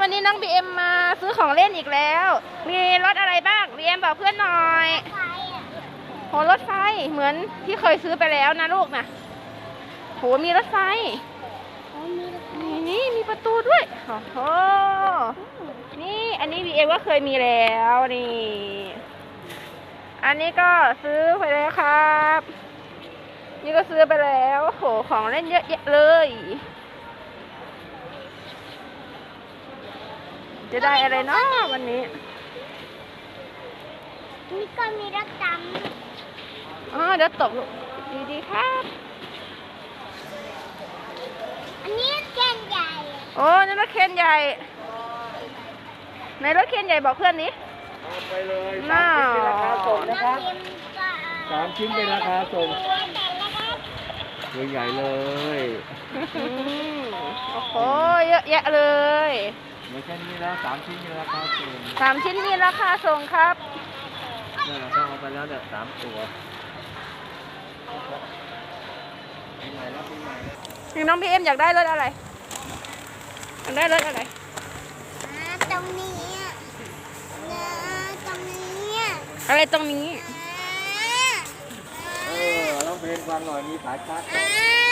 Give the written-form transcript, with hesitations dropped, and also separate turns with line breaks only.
วันนี้น้องบีเอ็มมาซื้อของเล่นอีกแล้ว มีรถอะไรบ้างบีเอ็มบอกเพื่อนหน่อยโหรถไฟเหมือนที่เคยซื้อไปแล้วนะลูกนะโหมีรถไฟนี่มีประตูด้วยโอ้โหนี่อันนี้บีเอ็มก็เคยมีแล้วนี่อันนี้ก็ซื้อไปแล้วครับนี่ก็ซื้อไปแล้วโหของเล่นเยอะแยะเลยจะได้อะไรเนาะวันนี้
นี่ก็มีรถด
เดี๋ยวตกลูกดีๆครับ
อันนี้เคนใหญ่
โอ้นี่รถเคนใหญ่ในรถเคนใหญ่บอกเพื่อนนี้
ไปเลย3 ชิ้นเป็นราคาส่งนะครับ3 ชิ้นเป็นราคาส่งตัวใหญ่เลย
โอ้โหเยอะแยะเลย
ไม่ใช่นี้แล้ว3 ชิ้นมีราคาส่ง
3 ชิ้นมีราคาส่งครับ
นี่เราต้องเอาไปแล้วเนี่ย3 ตัว
นี่น้องพี่เอ็มอยากได้รถอะไรอยากได้รถอะไร
ตรงนี้ตรงนี้
อะไรตรงนี้
ร้องเพลงฟังหน่อยมีสายชาร์จ